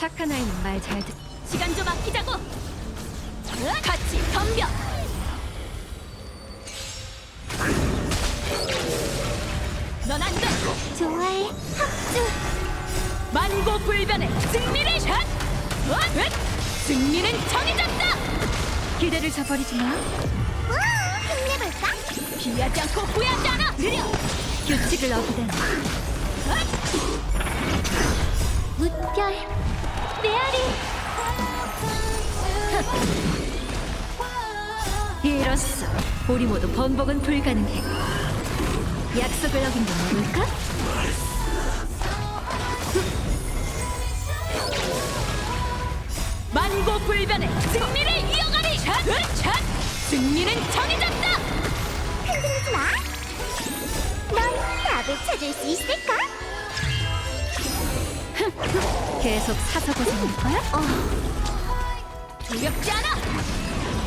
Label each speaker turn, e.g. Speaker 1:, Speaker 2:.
Speaker 1: 착한 아이는 말 잘 듣.
Speaker 2: 시간 좀 아끼자고. 같이 덤벼. 넌 안 돼.
Speaker 3: 좋아해. 합주.
Speaker 2: 만고불변의 승리를 샷. 승리는 정해졌다.
Speaker 1: 기대를 저버리지 마.
Speaker 3: 우! 힘내볼까?
Speaker 2: 피하지 않고 후회하지 않아. 느려.
Speaker 1: 규칙을 어기다니.
Speaker 3: 무별. 메아리.
Speaker 1: 이로써 우리 모두 번복은 불가능해. 약속을 어긴 건 뭘까?
Speaker 2: 만고불변의 승리를 이어가리. 샷. 승리는 정해졌다.
Speaker 3: 흔들리지 마. 넌 답을 찾을 수 있을까?
Speaker 1: 계속 사서 고생할 거야?
Speaker 2: 두렵지 않아.